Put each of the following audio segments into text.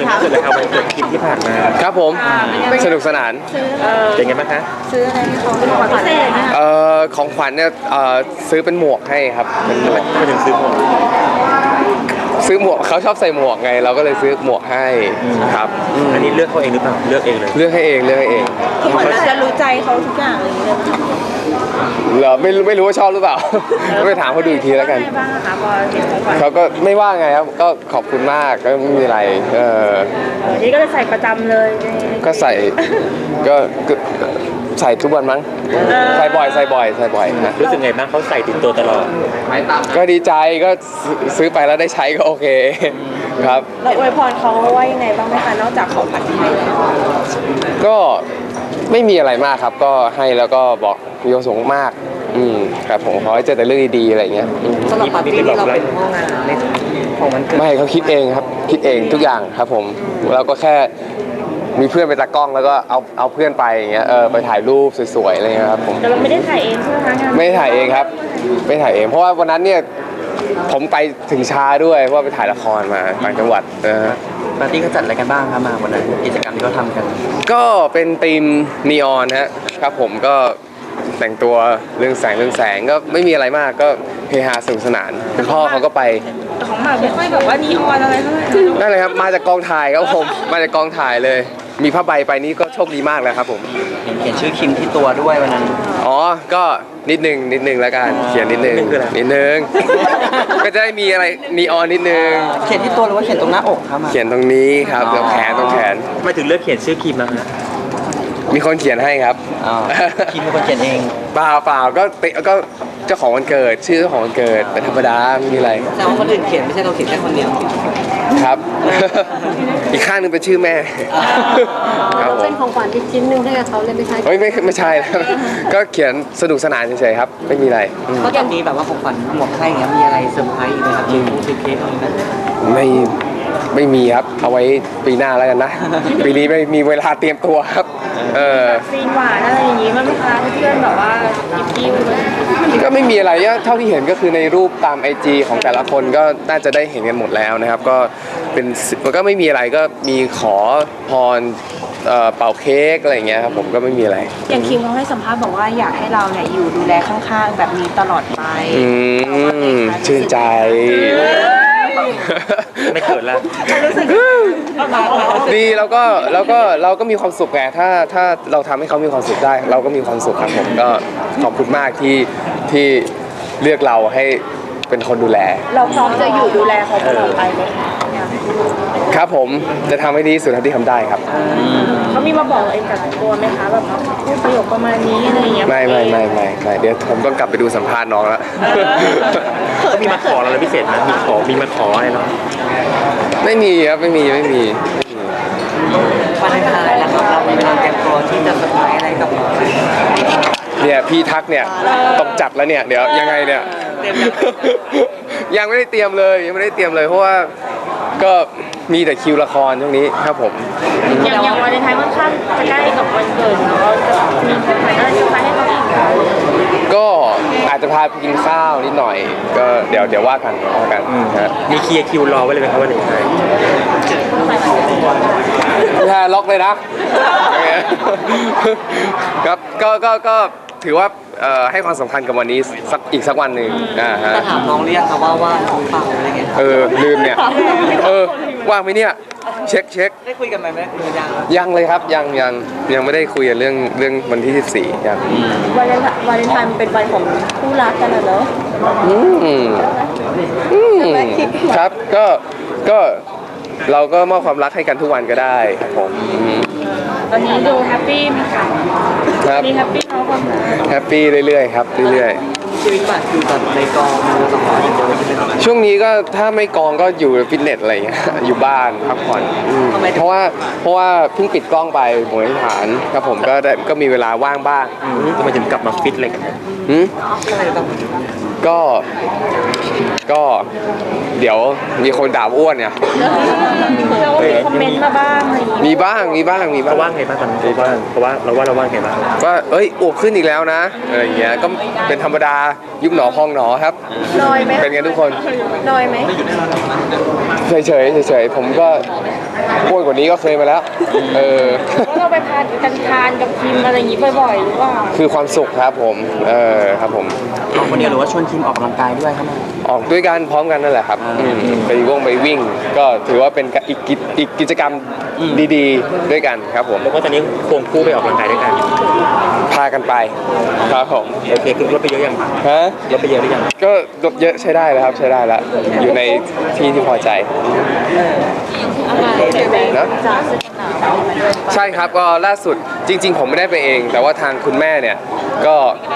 คะสุดเลยครับวันเกิดคิมที่ผ่านมาครับผมสนุกสนานเป็นไงบ้างคะซื้ออะไรให้เขาเป็นของพิเศษนะคะของขวัญเนี่ยซื้อเป็นหมวกให้ครับเป็นหมวกไม่ถึงซื้อหมวกเขาชอบใส่หมวกไงเราก็เลยซื้อหมวกให้ครับอันนี้เลือกเขาเองหรือเปล่าเลือกเองเลยเลือกให้เองคือเหมือนเราจะรู้ใจเขาทุกอย่างเลยเหรอไม่รู้ว่าชอบหรือเปล่าไปถามเขาดูอีกทีแล้วกันบ้างคะพอเห็นของขวัญเขาก็ไม่ว่าไงครับก็ขอบคุณมากก็ไม่มีอะไรนี่ก็เลยใส่ประจำเลยก็ใส่ก็ใส่ทุกวันมั้งใส่บ่อยนะรู้สึกไงบ้างเขาใส่ติดตัวตลอดก็ดีใจก็ซื้อไปแล้วได้ใช้ก็โอเคครับแล้วอวยพรเขาว่ายังไงบ้างไหมคะนอกจากของขวัญที่ให้ก็ไม่มีอะไรมากครับก็ให้แล้วก็บอกมีความสุขมากครับผมขอให้เจอแต่เรื่องดีๆอะไรเงี้ยสำหรับปาร์ตี้ที่เราเป็นห้องงานในของมันเกิดไม่เขาคิดเองครับคิดเองทุกอย่างครับผมเราก็แค่มีเพื่อนไปตากล้องแล้วก็เอาเพื่อนไปอย่างเงี้ยไปถ่ายรูปสวยๆอะไรเงี้ยครับผมแต่เราไม่ได้ถ่ายเองใช่ไหมคะงานไม่ถ่ายเองครับไม่ถ่ายเองเพราะว่าวันนั้นเนี่ยผมไปถึงช้าด้วยเพราะว่าไปถ่ายละครมาต่างจังหวัดปาร์ตี้เขาจัดอะไรกันบ้างครับมาวันนั้นกิจกรรมที่เขาทำกันก็เป็นธีมนีออนครับผมก็แต่งตัวเรื่องแสงก็ไม่มีอะไรมากก็เฮฮาสนุกสนานคุณพ่อเขาก็ไปของหมากไม่ค่อยแบบว่านีออนอะไรเท่าไหร่นั่นเลยครับมาจากกองถ่ายครับผมมาจากกองถ่ายเลยมีผ้าใบไปนี่ก็โชคดีมากแล้วครับผมเขียนชื่อคิมที่ตัวด้วยวันนั้นก็นิดนึงแล้วกันเขียนนิดนึงก็จะได้มีอะไรนีออนนิดนึงเขียนที่ตัวหรือว่าเขียนตรงหน้าอกครับเขียนตรงนี้ครับตรงแขนไม่ถึงเลือกเขียนชื่อคิมนะมีคนเขียนให้ครับคิมเป็นคนเขียนเองเปล่าก็เจ้าของวันเกิดชื่อเจ้าของวันเกิดเป็นธรรมดาไม่มีอะไรแต่ว่าคนอื่นเขียนไม่ใช่เราเขียนแค่คนเดียวครับอีกข้างนึงเป็นชื่อแม่เป็นของขวัญอีกชิ้นนึงให้กับเขาเลยไม่ใช่ไม่ใช่ก็เขียนสนุกสนานเฉยๆครับไม่มีอะไรก็จะมีแบบว่าของขวัญหมวกให้เงี้ยมีอะไรเซอร์ไพรส์ไหมครับเค้กอะไรนั้นไม่มีครับเอาไว้ปีหน้าแล้วกันนะปีนี้ไม่มีเวลาเตรียมตัวครับซีนหวานอะไรอย่างงี้มั้ยคะเพื่อนแบบว่ายิ้มก็ไม่มีอะไรเท่าที่เห็นก็คือในรูปตาม IG ของแต่ละคนก็น่าจะได้เห็นกันหมดแล้วนะครับก็เป็นมันก็ไม่มีอะไรก็มีขอพรเป่าเค้กอะไรอย่างเงี้ยครับผมก็ไม่มีอะไรอย่างคิมเขาให้สัมภาษณ์บอกว่าอยากให้เราเนี่ยอยู่ดูแลข้างๆแบบนี้ตลอดไปชื่นใจไม่เกิดแล้วดีเราก็มีความสุขไงถ้าเราทำให้เขามีความสุขได้เราก็มีความสุขครับผมก็ขอบคุณมากที่เลือกเราให้เป็นคนดูแลเราพร้อมจะอยู่ดูแลเขาตลอดไปไหมครับผมจะทำให้ดีสุดเท่าที่ทำได้ครับเขามีมาบอกเองกับตัวไหมคะแบบพูดประโยคประมาณนี้อะไรอย่างเงี้ยไม่เดี๋ยวผมต้องกลับไปดูสัมภาษณ์น้องแล้วมีมาขออะไรพิเศษไหมมีมาขออะไรเนาะไม่มีครับไม่มีวันท้ายแล้วเรามีเวลาเตรียมตัวที่จะสบายอะไรกับเราเนี่ยพี่ทักเนี่ยต้องจัดแล้วเนี่ยเดี๋ยวยังไงเนี่ยยังไม่ได้เตรียมเลยเพราะว่าก็มีแต่คิวละครช่วงนี้ครับผมอย่างวันท้ายค่อนข้างจะใกล้กับวันเกิดเราจะมีของขวัญอะไรจะให้เขาอีกก็อาจจะพาไปกินข้าวนิดหน่อยก็เดี๋ยวว่ากันมีเคลียร์คิวรอไว้เลยไหมครับวันนี้ถ้าล็อกเลยนะครับก็ถือว่าให้ความสำคัญกับวันนี้อีกสักวันหนึ่งจะถามน้องเรียกเขาว่าน้องเปล่าอะไรเงี้ยลืมเนี่ยว่างไหมเนี่ยเช็คได้คุยกันไหมยังเลยครับยังไม่ได้คุยกันเรื่องวันที่14ยังวาเลนไทน์เป็นวันของคู่รักกันเหรอครับก็เราก็มอบความรักให้กันทุกวันก็ได้ครับผมตอนนี้ดูแฮปปี้ไหมคะครับมีแฮปปี้เขาความรักแฮปปี้เรื่อยๆครับเรื่อยๆชีวิตแบบอยู่แบบในกองมือสองร้อยอย่างเดียวใช่ไหมช่วงนี้ก็ถ้าไม่กองก็อยู่ฟิตเนสอะไรเงี้ยอยู่บ้านพักผ่อนเพราะว่าเพิ่งปิดกล้องไปหมวยฐานครับผมก็มีเวลาว่างบ้างทำไมถึงกลับมาฟิตอะไรกันก็เดี๋ยวมีคนด่าอ้วนเนี่ยมีคอมเมนต์มาบ้างอะไรอย่างงี้มีบ้างมีบ้างมีบ้าเขางว่างไงบ้างตอนนี้เพราะว่าเราว่างไงบ้างว่าเอ้ยอ้วกขึ้นอีกแล้วนะอะไรอย่างเงี้ยก็เป็นธรรมดายุบหนอพองหนอครับนอยไหมเป็นกันทุกคนนอยไหมเฉยๆเฉยๆผมก็อ้วนกว่านี้ก็เคยมาแล้วเออแล้วเราไปพากันทานกับคิมอะไรอย่างงี้บ่อยๆหรือเปล่าคือความสุขครับผมครับผมออกคนเดียวหรือว่าชวนคิมออกกำลังกายด้วยครับแม่ออกด้วยกันพร้อมกันนั่นแหละครับไปวิ่งก็ถือว่าเป็นอีกกิจกรรมดีๆด้วยกันครับผมแล้วก็ตอนนี้ควงคู่ไปออกกำลังกายด้วยกันพากันไปครับผมโอเคคือลดไปเยอะยังฮะลดไปเยอะหรือยังก็ลดเยอะใช้ได้แล้วครับใช้ได้แล้วอยู่ในที่พอใจนะใช่ครับก็ล่าสุดจริง ๆ ผมไม่ได้ไปเอง แต่ว่าทางคุณแม่เนี่ยก็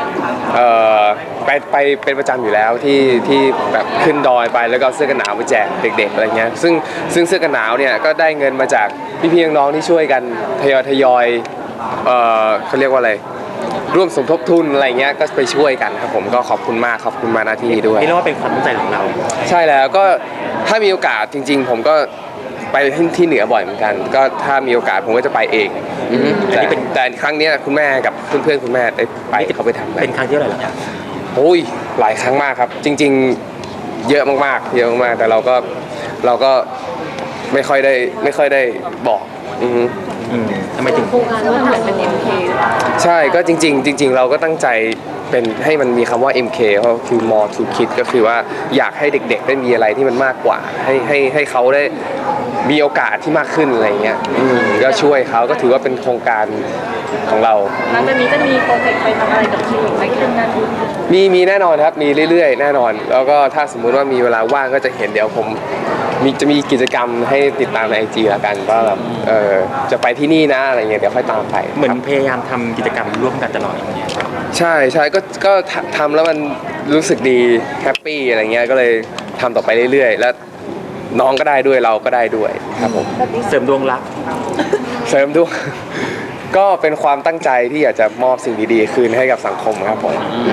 ไปเป็นประจำอยู่แล้วที่แบบขึ้นดอยไปแล้วก็เอาเสื้อกันหนาวไปแจกเด็กๆอะไรเงี้ยซึ่งเสื้อกันหนาวเนี่ยก็ได้เงินมาจากพี่ๆน้องๆที่ช่วยกันทยอยเขาเรียกว่าอะไรร่วมสมทบทุนอะไรเงี้ยก็ไปช่วยกันครับผมก็ขอบคุณมากขอบคุณมาณที่นี้ด้วยนี่เรียกว่าเป็นความตั้งใจของเราใช่แล้วก็ถ้ามีโอกาสจริง ๆ ผมก็ไปที่เหนือบ่อยเหมือนกัน ก็ถ้ามีโอกาสผมก็จะไปเองแต่ครั้งเนี้ยคุณแม่กับเพื่อนๆคุณแม่ได้ไปเขาไปทำเป็นครั้งที่เท่าไหร่แล้วโอ้ยหลายครั้งมากครับ จริง ๆเยอะมากๆเยอะมากๆแต่เราก็ไม่ค่อยได้บอกทำไมถึงโครงการว่าถ่ายเป็น MK ใช่ก็จริง ๆ เราก็ตั้งใจเป็นให้มันมีคำว่า MK เพราะคือ more to kids ก็คือว่าอยากให้เด็กๆได้มีอะไรที่มันมากกว่าให้เขาได้มีโอกาสที่มากขึ้นอะไรเงี้ยก็ช่วยเขาก็ถือว่าเป็นโครงการของเราหลังจากนี้จะมีโปรเจกต์ไปทำอะไรกับคิมอีกไหมขึ้นนั้นมีแน่นอนครับมีเรื่อยๆแน่นอน แล้วก็ถ้าสมมุติว่ามีเวลาว่างก็จะเห็นเดี๋ยวผมจะมีกิจกรรมให้ติดตามใน IG ละกันว่าแบบจะไปที่นี่นะอะไรเงี้ยเดี๋ยวค่อยตามไปเหมือนพยายามทำกิจกรรมร่วมกันตลอดอย่างเงี้ยใช่ก็ทำแล้วมันรู้สึกดีแฮปปี้อะไรเงี้ยก็เลยทำต่อไปเรื่อยๆแล้วน้องก็ได้ด้วยเราก็ได้ด้วยครับผมเสริมดวงรักเสริมด้วย ก็เป็นความตั้งใจที่อยากจะมอบสิ่งดีๆคืนให้กับสังคมครับผม